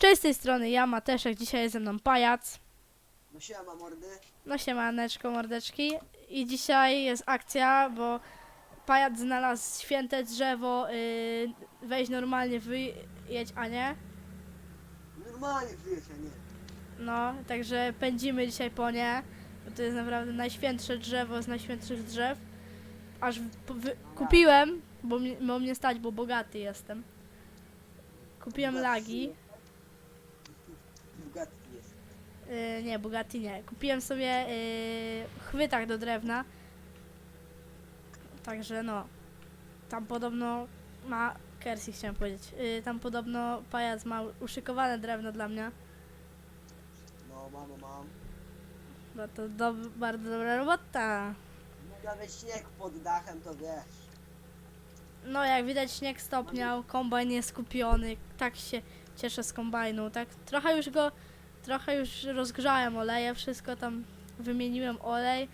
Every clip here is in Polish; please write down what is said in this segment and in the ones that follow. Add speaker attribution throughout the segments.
Speaker 1: Cześć, z tej strony ja, Mateszek, dzisiaj jest ze mną pajac.
Speaker 2: No siema mordy.
Speaker 1: No siemaneczko, mordeczki. I dzisiaj jest akcja, bo pajac znalazł święte drzewo, weź normalnie wyjedź, a nie?
Speaker 2: Normalnie wyjść, a nie.
Speaker 1: No, także pędzimy dzisiaj po nie, bo to jest naprawdę najświętsze drzewo z najświętszych drzew. Aż kupiłem, bo mnie stać, bo bogaty jestem. Kupiłem lagi.
Speaker 2: Bugatti jest.
Speaker 1: Nie, Bugatti nie. Kupiłem sobie chwytak do drewna. Także no. Tam podobno ma... Kersi chciałem powiedzieć. Tam podobno pajac ma uszykowane drewno dla mnie.
Speaker 2: No mam.
Speaker 1: No to bardzo dobra robota.
Speaker 2: Nawet śnieg pod dachem, to wiesz.
Speaker 1: No jak widać śnieg stopniał, kombajn jest kupiony. Tak się cieszę z kombajnu. Tak trochę już rozgrzałem oleje, wszystko tam wymieniłem olej.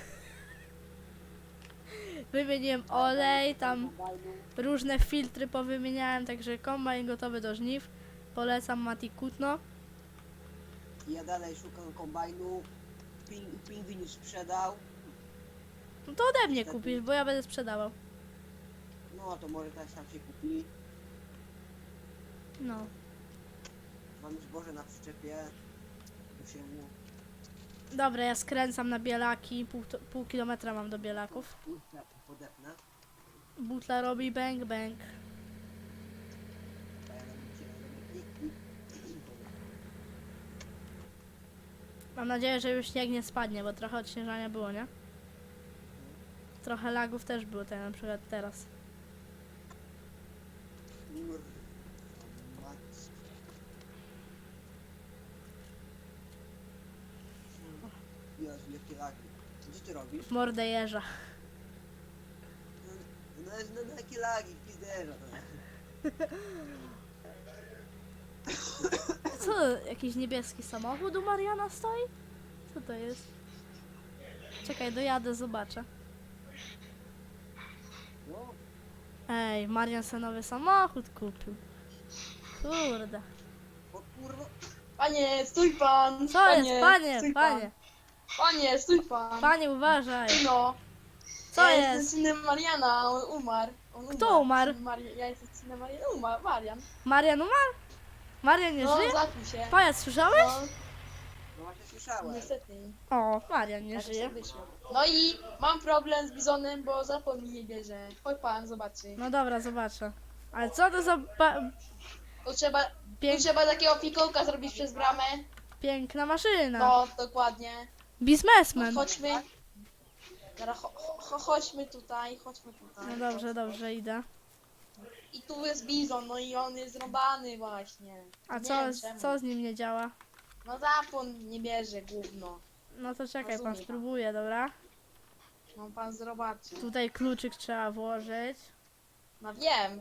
Speaker 1: Wymieniłem olej, tam różne filtry powymieniałem, także kombajn gotowy do żniw. Polecam Mati Kutno.
Speaker 2: Ja dalej szukam kombajnu. Pingwin już sprzedał.
Speaker 1: No to ode mnie kupisz, bo ja będę sprzedawał.
Speaker 2: No to może też tam się kupi.
Speaker 1: No.
Speaker 2: Mam już zboże na przyczepie. Tu się mu...
Speaker 1: Dobra, ja skręcam na Bielaki, pół kilometra mam do Bielaków.
Speaker 2: Podepnę.
Speaker 1: Butla robi bang bang.
Speaker 2: A ja robię klik.
Speaker 1: Mam nadzieję, że już śnieg nie spadnie, bo trochę odśnieżania było, nie? Trochę lagów też było, tak na przykład teraz.
Speaker 2: Jezu, jakie lagi. Co ty robisz?
Speaker 1: Mordę jeża.
Speaker 2: No jakie lagi, pizderza to.
Speaker 1: Co, jakiś niebieski samochód u Mariana stoi? Co to jest? Czekaj, dojadę, zobaczę.
Speaker 2: No,
Speaker 1: Ej, Marian sobie nowy samochód kupił. Kurde.
Speaker 2: o kurwa.
Speaker 3: Panie, stój pan!
Speaker 1: Co jest? Panie,
Speaker 3: stój
Speaker 1: panie.
Speaker 3: Pan. Panie, stój pan!
Speaker 1: Panie, uważaj.
Speaker 3: No.
Speaker 1: Co
Speaker 3: ja
Speaker 1: jest?
Speaker 3: jestem synem Mariana, on umarł.
Speaker 1: Kto umarł?
Speaker 3: Ja jestem synem Mariana, umarł, Marian.
Speaker 1: Marian umarł? Marian nie
Speaker 3: No,
Speaker 1: żyje?
Speaker 3: zakuł się.
Speaker 1: Pajac, słyszałeś?
Speaker 3: No,
Speaker 2: No właśnie słyszałem.
Speaker 3: niestety.
Speaker 1: O, Marian nie
Speaker 3: Tak
Speaker 1: żyje.
Speaker 3: wyszło. No i mam problem z bizonem, bo zapomnij nie bierze. Chodź pan, zobaczy.
Speaker 1: No dobra, zobaczę. Ale co to za
Speaker 3: Tu trzeba,
Speaker 1: Pięk-
Speaker 3: tu trzeba takiego fikołka zrobić przez bramę.
Speaker 1: piękna maszyna.
Speaker 3: No, dokładnie. No,
Speaker 1: Biznesmen.
Speaker 3: chodźmy. Teraz chodźmy tutaj.
Speaker 1: No dobrze, idę.
Speaker 3: I tu jest bizon, no i on jest zrąbany właśnie.
Speaker 1: A
Speaker 3: Nie
Speaker 1: co,
Speaker 3: wiem czemu.
Speaker 1: co z nim nie działa?
Speaker 3: No zapłon nie bierze gówno.
Speaker 1: No to czekaj, pan
Speaker 3: Rozumiem.
Speaker 1: spróbuje, dobra?
Speaker 3: No pan zobaczy.
Speaker 1: Tutaj kluczyk trzeba włożyć.
Speaker 3: No wiem.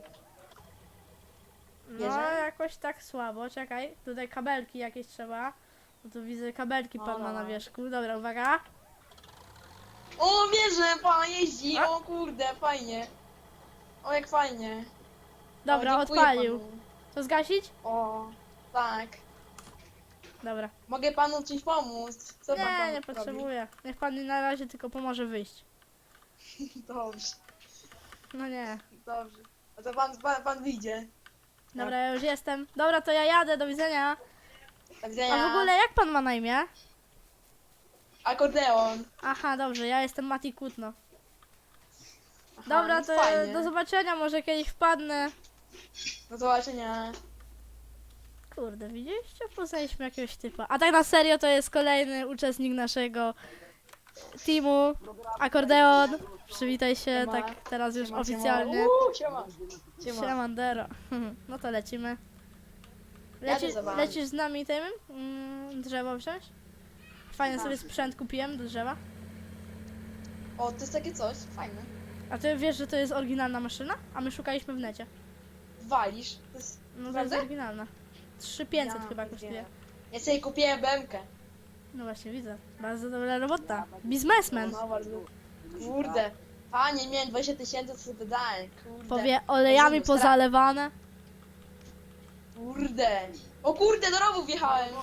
Speaker 1: No
Speaker 3: Bierze?
Speaker 1: jakoś tak słabo, czekaj. Tutaj kabelki jakieś trzeba. No tu widzę kabelki
Speaker 3: No,
Speaker 1: pan ma
Speaker 3: no.
Speaker 1: na wierzchu. Dobra, uwaga.
Speaker 3: O, bierze, pan jeździ,
Speaker 1: A?
Speaker 3: o kurde, fajnie. O, jak fajnie.
Speaker 1: Dobra,
Speaker 3: o, dziękuję
Speaker 1: odpalił.
Speaker 3: panu.
Speaker 1: To zgasić?
Speaker 3: O, tak.
Speaker 1: Dobra.
Speaker 3: Mogę panu coś pomóc? Co pan
Speaker 1: Nie,
Speaker 3: tam
Speaker 1: nie
Speaker 3: robi?
Speaker 1: potrzebuję. Niech pan mi na razie tylko pomoże wyjść.
Speaker 3: Dobrze,
Speaker 1: No nie.
Speaker 3: dobrze. A to pan wyjdzie.
Speaker 1: Dobra, ja już jestem. Dobra, to ja jadę, do widzenia.
Speaker 3: Do widzenia.
Speaker 1: A w ogóle jak pan ma na imię?
Speaker 3: Akordeon.
Speaker 1: Aha, dobrze, ja jestem Mati Kutno.
Speaker 3: Aha,
Speaker 1: Dobra,
Speaker 3: no
Speaker 1: to
Speaker 3: fajnie.
Speaker 1: do zobaczenia, może kiedyś wpadnę.
Speaker 3: Do zobaczenia.
Speaker 1: Kurde, widzieliście? Poznaliśmy jakiegoś typa. A tak na serio to jest kolejny uczestnik naszego teamu. Akordeon. Przywitaj się,
Speaker 3: Siema.
Speaker 1: tak teraz już
Speaker 3: Siema,
Speaker 1: oficjalnie.
Speaker 3: Siema. Siema.
Speaker 1: Siemandero. No to lecimy.
Speaker 3: Jadę za wami.
Speaker 1: Lecisz z nami tym? Drzewo wziąć? Fajny sobie sprzęt kupiłem do drzewa.
Speaker 3: O, to jest takie coś, fajne.
Speaker 1: A ty wiesz, że to jest oryginalna maszyna? A my szukaliśmy w necie.
Speaker 3: Walisz. To jest...
Speaker 1: No to jest
Speaker 3: Prawda?
Speaker 1: oryginalna. 3500
Speaker 3: Ja
Speaker 1: chyba
Speaker 3: pierdzielę.
Speaker 1: kosztuje.
Speaker 3: Ja sobie kupiłem BMK.
Speaker 1: No właśnie widzę. Bardzo dobra robota. Biznesmen.
Speaker 3: No, bardzo. Kurde. Panie, miałem 20 000, to sobie wydałem. Kurde.
Speaker 1: Powie olejami
Speaker 3: Rozumiem,
Speaker 1: pozalewane.
Speaker 3: Kurde. O kurde, do rowu wjechałem.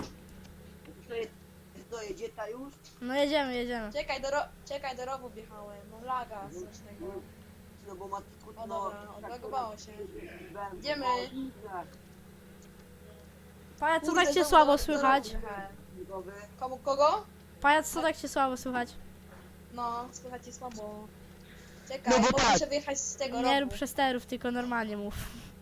Speaker 2: To jedzie ta już?
Speaker 1: No jedziemy, jedziemy.
Speaker 3: Czekaj, do rowu wjechałem. Mam laga strasznego.
Speaker 2: No bo ma
Speaker 3: O dobra, odlagowało się. Idziemy.
Speaker 1: Pajac, co
Speaker 3: Kurde,
Speaker 1: tak cię
Speaker 3: znowu
Speaker 1: słabo
Speaker 3: do
Speaker 1: słychać?
Speaker 3: rowu wjechałem. Kogo?
Speaker 1: Pajac, co tak cię słabo słychać?
Speaker 3: No, słychać jest słabo. Czekaj,
Speaker 2: No bo
Speaker 3: bo
Speaker 2: tak.
Speaker 3: muszę wyjechać z tego
Speaker 1: Nie
Speaker 3: rowu.
Speaker 1: rób przesterów, tylko normalnie mów.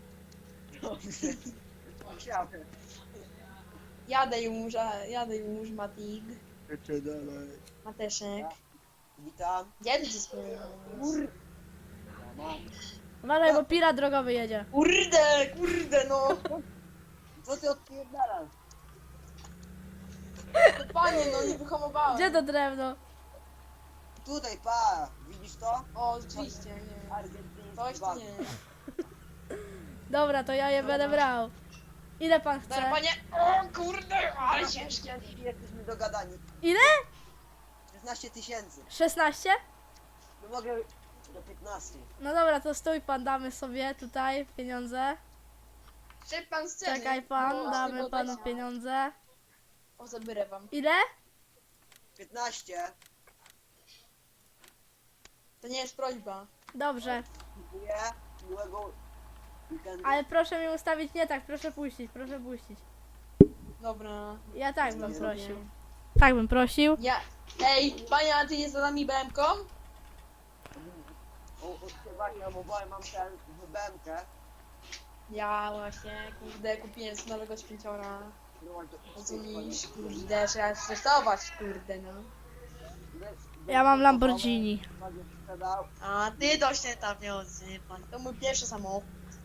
Speaker 3: Jadę już, Matik. Mateszek.
Speaker 2: Witam.
Speaker 3: Gdzie ty się spojrzysz?
Speaker 1: Uważaj, bo pirat drogowy jedzie.
Speaker 3: Kurde, no.
Speaker 2: Co ty odpierdalasz?
Speaker 3: No panie, no nie wyhamowałem.
Speaker 1: Gdzie to drewno?
Speaker 2: Tutaj, pa! Widzisz to?
Speaker 3: O, rzeczywiście, nie.
Speaker 2: Argentyński
Speaker 3: Coś tu
Speaker 2: bank.
Speaker 3: nie.
Speaker 1: Dobra, to ja je będę brał. Ile pan
Speaker 3: Dobra,
Speaker 1: chce?
Speaker 3: panie. O kurde, ale ciężkie.
Speaker 2: Jesteśmy dogadani.
Speaker 1: Ile?
Speaker 2: 16 tysięcy.
Speaker 1: 16?
Speaker 2: No mogę do 15.
Speaker 1: No dobra, to stój pan, damy sobie tutaj pieniądze.
Speaker 3: Szedł pan z ceny.
Speaker 1: Czekaj pan,
Speaker 3: bo
Speaker 1: damy
Speaker 3: tego
Speaker 1: panu
Speaker 3: też-
Speaker 1: pieniądze.
Speaker 3: O, zabierę wam.
Speaker 1: Ile?
Speaker 2: 15.
Speaker 3: To nie jest prośba.
Speaker 1: Dobrze,
Speaker 2: Dziękuję. Miłego weekendu.
Speaker 1: ale proszę mi ustawić nie tak, proszę puścić, proszę puścić.
Speaker 3: Dobra.
Speaker 1: Ja tak bym
Speaker 3: Zrobię.
Speaker 1: prosił. Tak bym prosił.
Speaker 3: Ja. Ej, panie, a ty jest za nami BM-ką?
Speaker 2: Właśnie obowałem mam ten wybękę.
Speaker 3: Ja właśnie, kurde, kupiłem z nowego śpięciora. Rozumiesz, kurde, trzeba testować, kurde, no.
Speaker 1: Ja mam Lamborghini.
Speaker 2: Sprzedał.
Speaker 3: A ty to się tam nie odzywa, pan. To mój pierwszy samochód.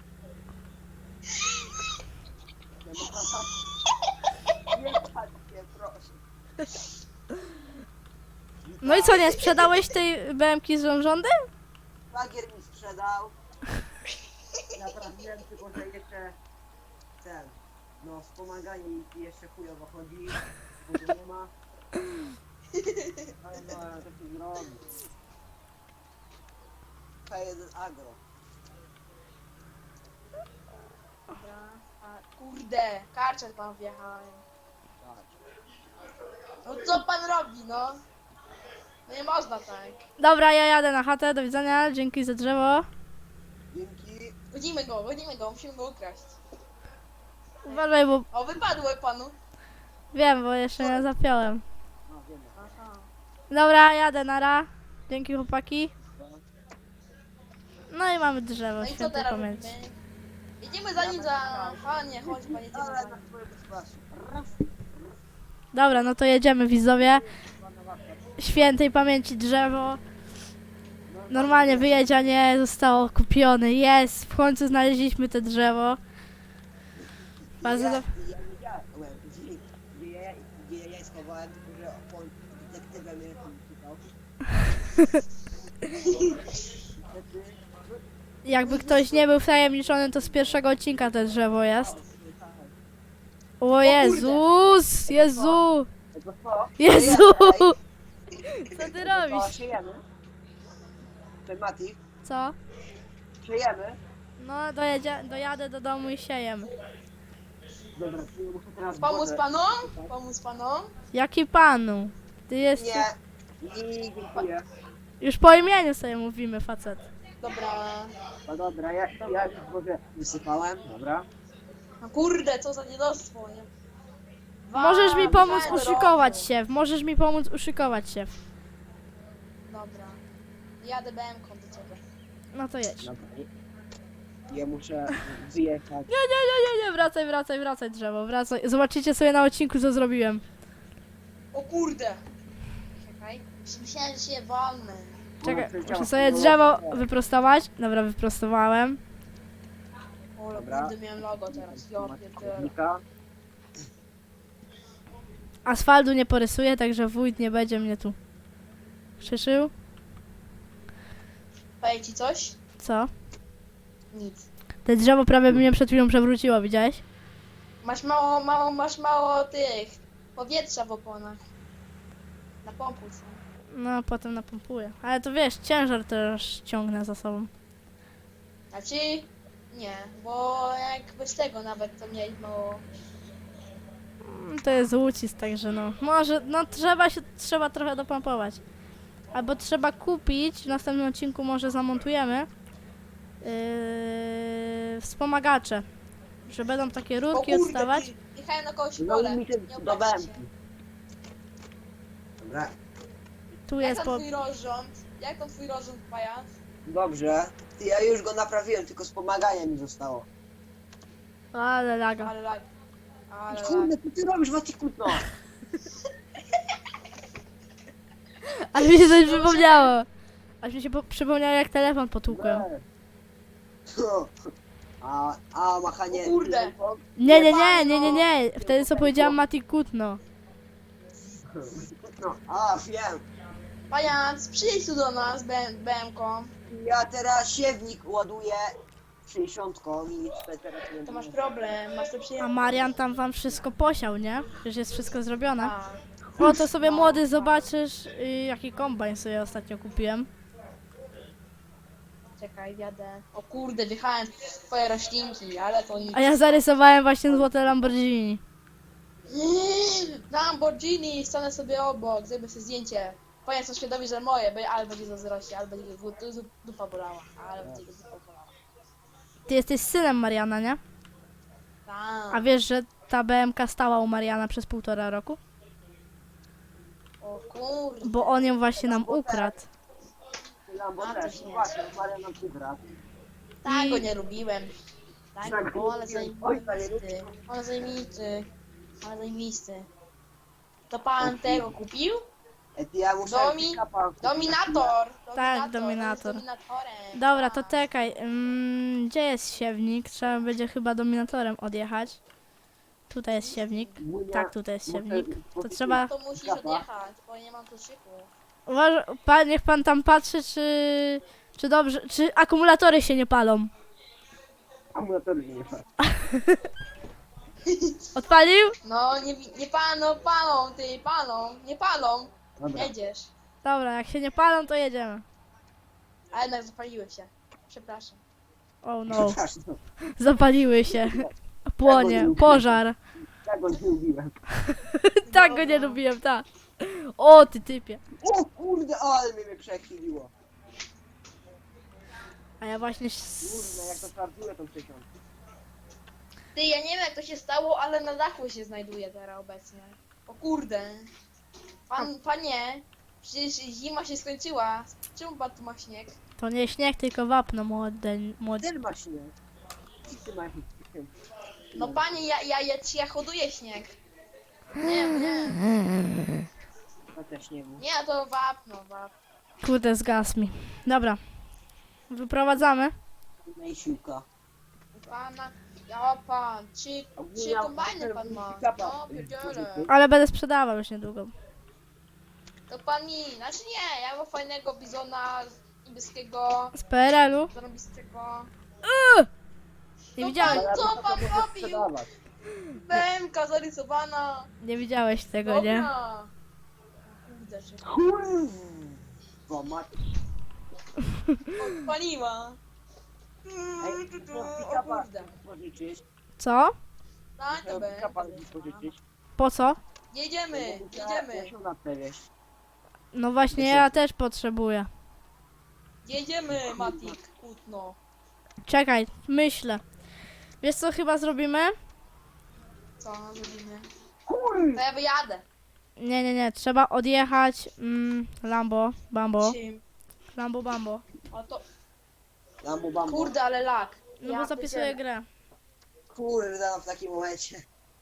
Speaker 2: Nie patrzcie, proszę.
Speaker 1: No i co, nie sprzedałeś tej BM-ki z rządem?
Speaker 2: Szwagier mi sprzedał. Naprawiłem, tylko że jeszcze ten, no wspomaganie mi jeszcze chujowo chodzi, bo go nie ma. Ale no, to się zrobi. K1 Agro.
Speaker 3: Dobra. A, kurde, karczet pan wjechałem.
Speaker 2: Tak.
Speaker 3: No co pan robi, no? No nie można tak.
Speaker 1: Dobra, ja jadę na chatę, do widzenia, dzięki za drzewo.
Speaker 2: Dzięki.
Speaker 3: Godzimy go, musimy go ukraść.
Speaker 1: Uważaj, bo
Speaker 3: O, wypadło panu.
Speaker 1: wiem, bo jeszcze nie zapiąłem.
Speaker 2: No wiemy.
Speaker 3: Aha.
Speaker 1: Dobra, jadę, nara. Dzięki chłopaki. No i mamy drzewo,
Speaker 3: No i co
Speaker 1: świętej
Speaker 3: teraz
Speaker 1: pamięci.
Speaker 3: robimy? Jedziemy za nim za... Panie, chodź pan, jedziemy
Speaker 2: Ale
Speaker 3: za
Speaker 2: na
Speaker 3: nim.
Speaker 2: swoje wyspasy. Raz.
Speaker 1: Dobra, no to jedziemy widzowie. Świętej pamięci drzewo. Normalnie wyjedzianie zostało kupione. Jest, w końcu znaleźliśmy te drzewo. Bardzo
Speaker 2: Ja
Speaker 1: do...
Speaker 2: wiedziałem, gdzie ja schowałem, tylko że on detektywem mnie tam szukał.
Speaker 1: Jakby ktoś nie był wtajemniczony, to z pierwszego odcinka to drzewo jest. O Jezus! Jezu!
Speaker 2: Tego co?
Speaker 1: Jezu! Co ty
Speaker 2: To
Speaker 1: robisz?
Speaker 2: siejemy. Ten Mati,
Speaker 1: Co?
Speaker 2: siejemy.
Speaker 1: No dojadę do domu i siejemy.
Speaker 2: Dobra, czyli muszę teraz
Speaker 3: Pomóc
Speaker 2: wodę-
Speaker 3: panom? Pomóc panom?
Speaker 1: Jaki panu? Ty jesteś...
Speaker 2: Nie, dziękuję.
Speaker 1: Już po imieniu sobie mówimy, facet.
Speaker 3: Dobra.
Speaker 2: No dobra, ja już wodę wysypałem, dobra.
Speaker 3: No kurde, co za niedostwo, nie?
Speaker 1: Możesz mi pomóc
Speaker 3: Wjechałem do
Speaker 1: uszykować
Speaker 3: rowu.
Speaker 1: się. Możesz mi pomóc uszykować się.
Speaker 3: Dobra. Jadę BM-ką do ciebie.
Speaker 1: No to jedź.
Speaker 2: Dobra. Ja muszę wyjechać.
Speaker 1: Nie, wracaj drzewo, wracaj. Zobaczycie sobie na odcinku, co zrobiłem.
Speaker 3: O kurde! Czekaj. Myślałem, że się walnę.
Speaker 1: Czekaj, muszę sobie drzewo wyprostować. Dobra, wyprostowałem.
Speaker 3: O,
Speaker 2: Dobra.
Speaker 3: kurde, miałem logo teraz. Ja pierdolę.
Speaker 2: Chodnika.
Speaker 1: Asfaltu nie porysuję, także wójt nie będzie mnie tu krzyszył.
Speaker 3: Powie ci coś?
Speaker 1: Co?
Speaker 3: Nic.
Speaker 1: Te drzewo prawie mnie przed chwilą przewróciło, widziałeś?
Speaker 3: Masz mało tych powietrza w oponach. Na pompu są.
Speaker 1: No, potem napompuję. Ale to wiesz, ciężar też ciągnę za sobą.
Speaker 3: Znaczy, Nie, bo jak bez tego nawet to mieli mało.
Speaker 1: To jest ucisk, także no. Może, no trzeba trochę dopompować. Albo trzeba kupić, w następnym odcinku może zamontujemy wspomagacze. Że będą takie
Speaker 3: O
Speaker 1: rurki
Speaker 3: kurde,
Speaker 1: odstawać.
Speaker 3: ty, jechałem na kogoś w
Speaker 2: No
Speaker 3: pole.
Speaker 2: mi się
Speaker 3: Nie
Speaker 2: do
Speaker 3: obraźcie
Speaker 2: bębki.
Speaker 3: się.
Speaker 2: Dobra,
Speaker 1: Tu
Speaker 3: Jak
Speaker 1: jest
Speaker 3: tam
Speaker 1: po...
Speaker 3: twój rozrząd? Jak tam twój rozrząd, pajac?
Speaker 2: dobrze. Ty, ja już go naprawiłem, tylko wspomaganie mi zostało.
Speaker 1: Ale laga.
Speaker 3: Ale lag. Ale lag.
Speaker 2: Kurde, co ty robisz, Maciku, no?
Speaker 1: Ale mi się coś przypomniało. Aż mi się przypomniało, jak telefon potłukłem.
Speaker 2: No. A machanie...
Speaker 3: O kurde.
Speaker 1: Nie. Wtedy co powiedziałam Mati Kutno.
Speaker 2: No, a wiem.
Speaker 3: Pajac, przyjedź tu do nas BM-ką.
Speaker 2: Ja teraz siewnik ładuję 60 i teraz nie
Speaker 3: To masz
Speaker 2: wiem.
Speaker 3: problem, masz to
Speaker 1: A
Speaker 3: przyjechać.
Speaker 1: Marian tam wam wszystko posiał, nie? Przecież jest wszystko zrobione.
Speaker 3: A,
Speaker 1: O, to sobie młody zobaczysz, jaki kombajn sobie ostatnio kupiłem.
Speaker 3: czekaj, jadę. O kurde, wjechałem w twoje roślinki, ale to nic.
Speaker 1: A ja zarysowałem właśnie złote Lamborghini.
Speaker 3: Lamborghini, stanę sobie obok, zrobię sobie zdjęcie. Pajac są świadomi, że moje, ale będzie zazdrości, ale będzie go dupa bolała. Ale będzie go dupa bolała.
Speaker 1: Ty jesteś synem Mariana, nie? A
Speaker 3: Tak.
Speaker 1: wiesz, że ta BMK stała u Mariana przez 1,5 roku?
Speaker 3: O kurde.
Speaker 1: Bo on ją właśnie nam ukradł.
Speaker 2: Lambo
Speaker 3: A,
Speaker 2: też,
Speaker 3: to
Speaker 2: no
Speaker 3: nie.
Speaker 2: właśnie, Maria nam przybrał.
Speaker 3: Tak
Speaker 1: I-
Speaker 3: go nie lubiłem. Tak,
Speaker 2: Tak,
Speaker 3: go, ale
Speaker 2: ojca nie
Speaker 3: zajmisty. Ale zajmisty. Ale zajmisty. To pan tego kupił?
Speaker 2: Ja muszę...
Speaker 3: Dominator!
Speaker 1: Tak,
Speaker 3: on
Speaker 1: Dominator.
Speaker 3: jest dominatorem.
Speaker 1: Dobra, to
Speaker 3: Tak.
Speaker 1: czekaj. Gdzie jest siewnik? Trzeba będzie chyba dominatorem odjechać. Tutaj jest siewnik. Tak, tutaj jest siewnik. To trzeba...
Speaker 3: To musisz odjechać, bo nie mam tu szyku.
Speaker 1: Niech pan tam patrzy, czy dobrze, czy akumulatory się nie palą.
Speaker 2: Akumulator nie ma.
Speaker 1: Odpalił?
Speaker 3: No, nie palą, palą, ty, palą, nie palą.
Speaker 2: Dobra.
Speaker 3: Jedziesz.
Speaker 1: Dobra, jak się nie palą, to jedziemy.
Speaker 3: A jednak zapaliły się. Przepraszam.
Speaker 1: Oh no,
Speaker 2: Przepraszam,
Speaker 1: zapaliły się. Płonie, pożar.
Speaker 2: ja go nie lubiłem.
Speaker 1: Tak go nie lubiłem, tak. O, ty typie.
Speaker 2: O kurde, ale mnie przechyliło.
Speaker 1: A ja właśnie...
Speaker 2: Kurde, jak to czarnuje tą 60.
Speaker 3: Ty, ja nie wiem jak to się stało, ale na dachu się znajduje teraz obecnie. O kurde. Panie, przecież zima się skończyła. Czemu pan tu ma śnieg?
Speaker 1: To nie śnieg, tylko wapno młode.
Speaker 2: Ty masz śnieg. Ty masz śnieg.
Speaker 3: No panie, ja hoduję śnieg. Nie, nie.
Speaker 2: Ja też nie wiem.
Speaker 3: Nie, to wapno.
Speaker 1: Kurde, zgasł mi. Dobra. Wyprowadzamy.
Speaker 2: No i siłka.
Speaker 3: Pana, ja pan, trzy kombajny pan ma. No, pierdziele.
Speaker 1: Ale będę sprzedawał już niedługo.
Speaker 3: To pan mi, znaczy nie, ja mam fajnego bizona niebieskiego,
Speaker 1: Z PRL-u.
Speaker 3: zarobistego.
Speaker 1: Nie
Speaker 3: No
Speaker 1: widziałeś,
Speaker 3: pan, co pan
Speaker 2: Mogę
Speaker 3: robił?
Speaker 2: sprzedawać.
Speaker 3: BMK zarysowana.
Speaker 1: nie widziałeś tego, nie?
Speaker 3: Dobra. Kurde, że
Speaker 2: Kurwa, mać.
Speaker 3: odpaliła.
Speaker 2: Ej, to
Speaker 3: O
Speaker 2: pick-upa
Speaker 3: kurde.
Speaker 2: pożyczyć.
Speaker 1: Co?
Speaker 3: Tak, to
Speaker 2: Pick-upa
Speaker 3: BMK.
Speaker 2: pożyczyć.
Speaker 1: Po co?
Speaker 3: Jedziemy,
Speaker 2: Ja
Speaker 3: jedziemy,
Speaker 2: się na te wieś.
Speaker 1: No właśnie, ja też potrzebuję.
Speaker 3: jedziemy, Matik, kutno.
Speaker 1: Czekaj, myślę. Wiesz co chyba zrobimy?
Speaker 3: Co zrobimy?
Speaker 2: Kurwa.
Speaker 3: To ja wyjadę.
Speaker 1: Nie, trzeba odjechać Lambo, Bambo,
Speaker 3: Czym?
Speaker 1: Lambo, Bambo.
Speaker 3: O to,
Speaker 2: Lambo bambo.
Speaker 3: kurde, ale lag.
Speaker 1: No
Speaker 3: Ja
Speaker 1: bo zapisuję
Speaker 3: pierdzielę.
Speaker 1: grę.
Speaker 2: Kurde, no w takim momencie.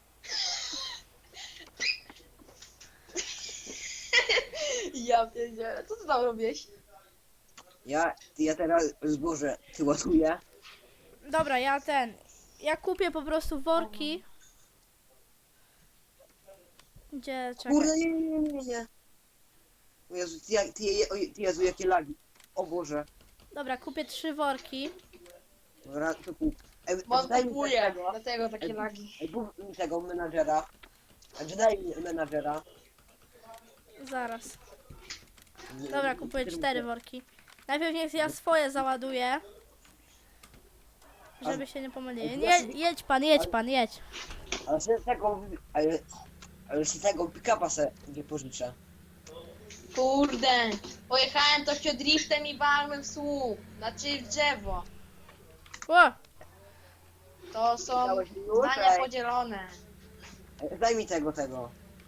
Speaker 3: Ja pierdzielę, co ty tam robisz?
Speaker 2: Ja teraz zboże ty ładuję.
Speaker 1: Dobra, ja kupię po prostu worki. Gdzie, czekaj.
Speaker 2: Kurde, nie. O Jezu, ty Jezu, jakie lagi. O Boże.
Speaker 1: Dobra, kupię 3 worki.
Speaker 2: Dobra, to kup. Ej,
Speaker 3: Bo on
Speaker 2: daj mi
Speaker 3: kupuje,
Speaker 2: tego.
Speaker 3: dlatego takie lagi.
Speaker 2: Ej, kup mi tego menadżera. Znaczy daj mi menadżera.
Speaker 1: Zaraz. Dobra, kupuję 4 worki. Najpierw niech ja swoje załaduję. Żeby się nie pomylili.
Speaker 2: Ale
Speaker 1: Nie,
Speaker 2: właśnie-
Speaker 1: jedź pan, jedź.
Speaker 2: Ale sobie ale sobie tego pick-upa se nie pożyczę.
Speaker 3: Kurde, pojechałem to się driftem i walłem w słup, znaczy w drzewo.
Speaker 1: O,
Speaker 3: To są
Speaker 2: Dałeś mi już?
Speaker 3: zdania
Speaker 2: Ej.
Speaker 3: podzielone.
Speaker 2: Daj mi tego.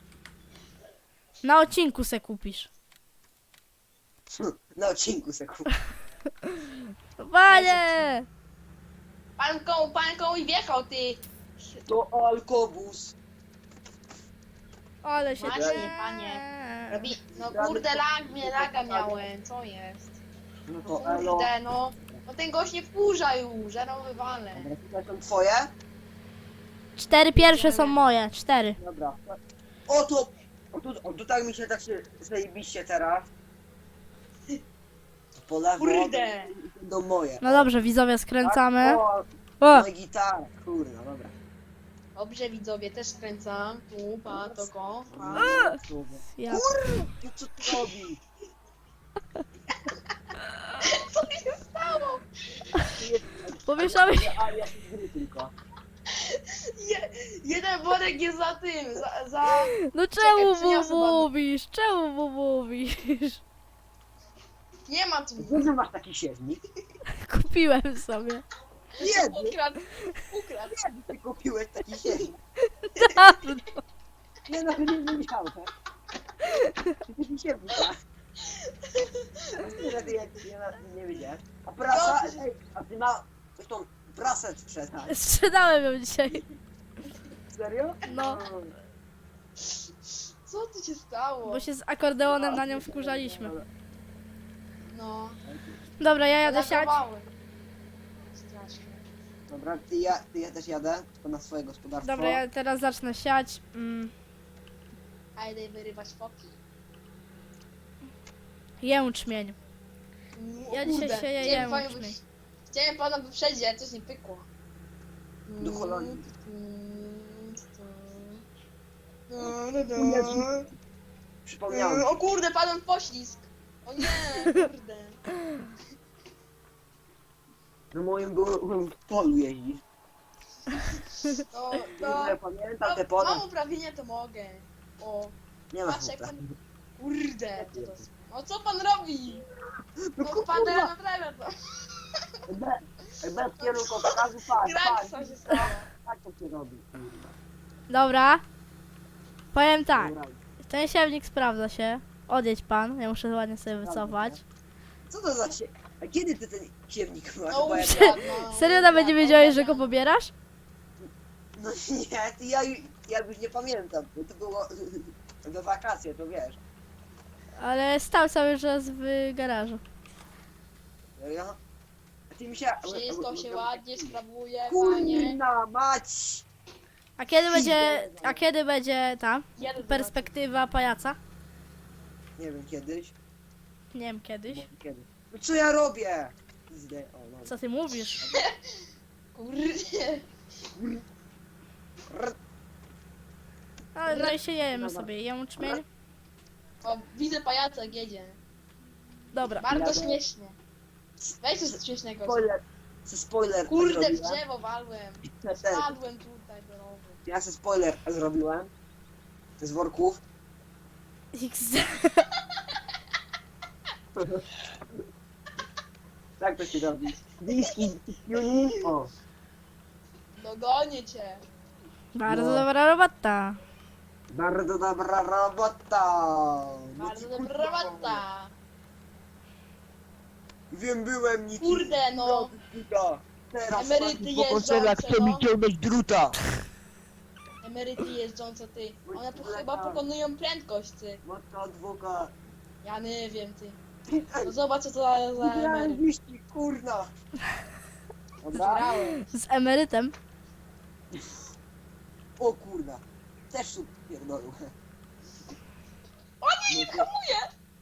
Speaker 1: na odcinku se kupisz.
Speaker 2: Na odcinku se kup.
Speaker 1: Panie!
Speaker 3: Panką i wjechał ty.
Speaker 2: To alkobus.
Speaker 1: Ale się...
Speaker 3: Właśnie, panie. Robi, no kurde, laga miałem, co jest?
Speaker 2: No
Speaker 3: No
Speaker 2: to elo.
Speaker 3: kurde, no. No ten gość nie wkurza już, że no wywalę.
Speaker 2: Dobra, tutaj są twoje?
Speaker 1: 4 pierwsze są moje, 4.
Speaker 2: Dobra. O tu tak mi się tak się zajebiście teraz. Po lewo.
Speaker 3: Kurde.
Speaker 2: Do moje.
Speaker 1: No dobrze, widzowie, skręcamy.
Speaker 2: Tak, o,
Speaker 1: O,
Speaker 2: no i gitara. Kurna, dobra.
Speaker 3: Dobrze widzowie, też skręcam. Tu, pa, toko. Pa.
Speaker 1: ja.
Speaker 2: Kurwa, co ty robisz?
Speaker 3: Co się stało?
Speaker 1: Pomieszamy się.
Speaker 2: A ja się gry tylko.
Speaker 3: Jeden worek jest za tym, za...
Speaker 1: No czemu mu
Speaker 3: przyniosę panu.
Speaker 1: mówisz? Czemu mu mówisz?
Speaker 3: Nie ma tu.
Speaker 2: Gdzie ty masz taki siewnik?
Speaker 1: Kupiłem sobie.
Speaker 2: Kiedy?
Speaker 3: Ukradł.
Speaker 2: Kiedy ty kupiłeś taki siewnik?
Speaker 1: Dawno.
Speaker 2: Nie no, nie wiedziałem. Taki siewnik, tak? Nie wiedziałem. A prasa? Ej, a ty ma... Coś tą prasę sprzedać.
Speaker 1: Sprzedałem ją dzisiaj.
Speaker 2: Serio?
Speaker 1: No.
Speaker 3: Co tu się stało?
Speaker 1: Bo się z akordeonem na nią wkurzaliśmy.
Speaker 3: No.
Speaker 1: Dobra, ja jadę siać.
Speaker 3: Lagowałem. Strasznie.
Speaker 2: Dobra, ty ja też jadę, tylko na swoje gospodarstwo.
Speaker 1: Dobra, ja teraz zacznę siać.
Speaker 3: A idę wyrywać foki.
Speaker 1: Jęczmień. Ja dzisiaj
Speaker 3: Kurde,
Speaker 1: sieję
Speaker 3: chciałem panią
Speaker 1: jęczmień.
Speaker 3: Chciałem pana wyprzedzić, ale coś nie pykło.
Speaker 2: Do Holandii. Przypomniałem.
Speaker 3: O kurde, padłem w poślizg. O nie, kurde.
Speaker 2: No moim byłem w polu jeździć.
Speaker 3: No,
Speaker 2: Ja pamiętam te pola.
Speaker 3: mam uprawnienia, to mogę. O,
Speaker 2: Nie ma
Speaker 3: patrz jak
Speaker 2: chłopa.
Speaker 3: pan... Kurde, to jest... No co pan robi?
Speaker 2: No
Speaker 3: No pan
Speaker 2: kurwa,
Speaker 3: naprawia to.
Speaker 2: bez kierunkowoskazu, patrz,
Speaker 3: Kraksa się stała.
Speaker 2: tak to się robi. kurwa.
Speaker 1: Dobra. Powiem tak.
Speaker 2: Dobra.
Speaker 1: Ten siewnik sprawdza się. Odjedź pan, ja muszę ładnie sobie wycofać.
Speaker 2: Co to za się... A kiedy ty ten siewnik masz?
Speaker 3: No
Speaker 2: Bo ja...
Speaker 3: ukradną.
Speaker 1: Serio nawet nie wiedziałeś, że go pobierasz?
Speaker 2: No nie, ty ja już nie pamiętam, bo to było we wakacje, to wiesz.
Speaker 1: Ale stał cały czas w garażu.
Speaker 2: Serio? A ty mi się...
Speaker 3: Wszystko się ładnie sprawuje, panie.
Speaker 2: Kurna mać!
Speaker 1: A kiedy będzie ta
Speaker 3: Jeden
Speaker 1: perspektywa pajaca?
Speaker 2: Nie wiem, kiedyś.
Speaker 1: Nie wiem, kiedyś.
Speaker 2: Może kiedyś. No co ja robię? Pizdę. O, no.
Speaker 1: Co ty mówisz?
Speaker 3: Kurde.
Speaker 1: Ale no i się jemy sobie jęczmień.
Speaker 3: O, widzę pajaca jak jedzie.
Speaker 1: Dobra.
Speaker 3: Bardzo
Speaker 2: Jadę.
Speaker 3: śmiesznie. Weź coś śmiesznego.
Speaker 2: Spoiler. Co spoiler
Speaker 3: Kurde, w
Speaker 2: zrobiłem?
Speaker 3: drzewo walłem.
Speaker 2: Ja też.
Speaker 3: Spadłem tutaj do rowu.
Speaker 2: Ja se spoiler zrobiłem. Z worków.
Speaker 1: XD.
Speaker 2: Tak to się robi. Diski, tuning. O.
Speaker 3: Dogonię cię.
Speaker 1: Bardzo
Speaker 2: No.
Speaker 1: dobra robota.
Speaker 2: Bardzo dobra robota. No
Speaker 3: Bardzo
Speaker 2: ci
Speaker 3: dobra
Speaker 2: kurwa.
Speaker 3: robota.
Speaker 2: Wiem, byłem nic.
Speaker 3: Kurde, no.
Speaker 2: Teraz
Speaker 3: Emeryty
Speaker 2: pani
Speaker 3: jeżdżące,
Speaker 2: pokoczela chce mi
Speaker 3: no.
Speaker 2: ciągnąć druta.
Speaker 3: Emeryty jeżdżące, ty. One chyba pokonują prędkość, ty.
Speaker 2: Matka adwokat.
Speaker 3: Ja nie wiem, ty. No zobacz co to za
Speaker 2: Wygrałem
Speaker 3: emeryt.
Speaker 2: wyścig, kurna. Dobra.
Speaker 3: Grałem.
Speaker 1: Z emerytem.
Speaker 2: O kurna. Też tu pierdolę.
Speaker 3: O nie, nie hamuję!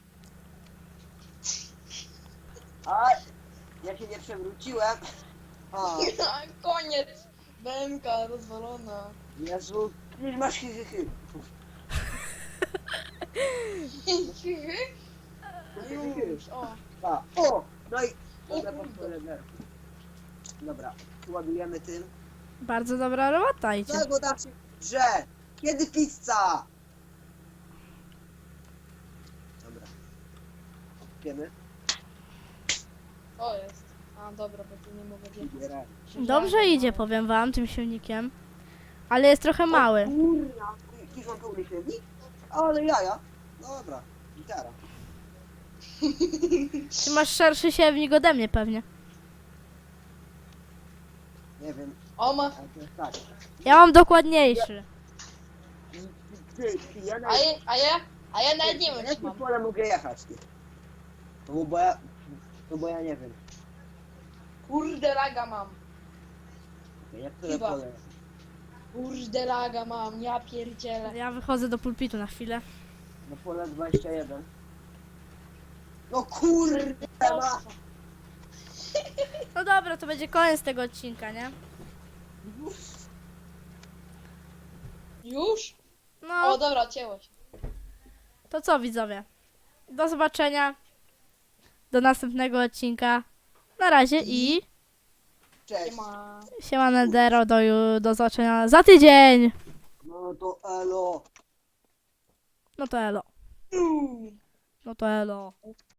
Speaker 2: A ja się nie przewróciłem. A,
Speaker 3: Koniec. Bęka rozwalona.
Speaker 2: Jezu, nie masz hyhyhy.
Speaker 3: Już, o.
Speaker 2: A, o, no i...
Speaker 3: O
Speaker 2: Dobra,
Speaker 3: kurde.
Speaker 2: Dobra. ładujemy tym.
Speaker 1: Bardzo dobra robota idzie.
Speaker 2: Czego da się grze? Kiedy pizza? Dobra. Wiemy?
Speaker 3: To jest. A dobra, bo tu nie mogę wjechać.
Speaker 2: Wybieraj.
Speaker 1: Dobrze idzie, powiem wam, tym silnikiem. Ale jest trochę mały.
Speaker 2: Kurna, jakiś mam pełny silnik? Ale jaja. Dobra, gitara.
Speaker 1: Ty masz szerszy siewnik ode mnie pewnie.
Speaker 2: Nie wiem,
Speaker 3: O ma.
Speaker 2: ale to jest tak.
Speaker 1: Ja mam dokładniejszy.
Speaker 2: Ja na
Speaker 3: A ja nawet nie wiem, czy
Speaker 2: jakie
Speaker 3: mam.
Speaker 2: pole mogę jechać, ty? No bo ja nie wiem.
Speaker 3: Kurde laga mam.
Speaker 2: Jak które
Speaker 3: Chyba.
Speaker 2: pole?
Speaker 3: Kurde laga mam, ja pierdzielę.
Speaker 1: Ja wychodzę do pulpitu na chwilę.
Speaker 2: No pole 21. No kurde ma!
Speaker 1: No dobra, to będzie koniec tego odcinka, nie?
Speaker 3: Już?
Speaker 1: No,
Speaker 3: O dobra, cięło się.
Speaker 1: to co widzowie? Do zobaczenia. Do następnego odcinka. Na razie i
Speaker 2: Cześć.
Speaker 3: Siema.
Speaker 1: siema Nedero, do zobaczenia za tydzień.
Speaker 2: No to elo.
Speaker 1: No to elo. No to elo.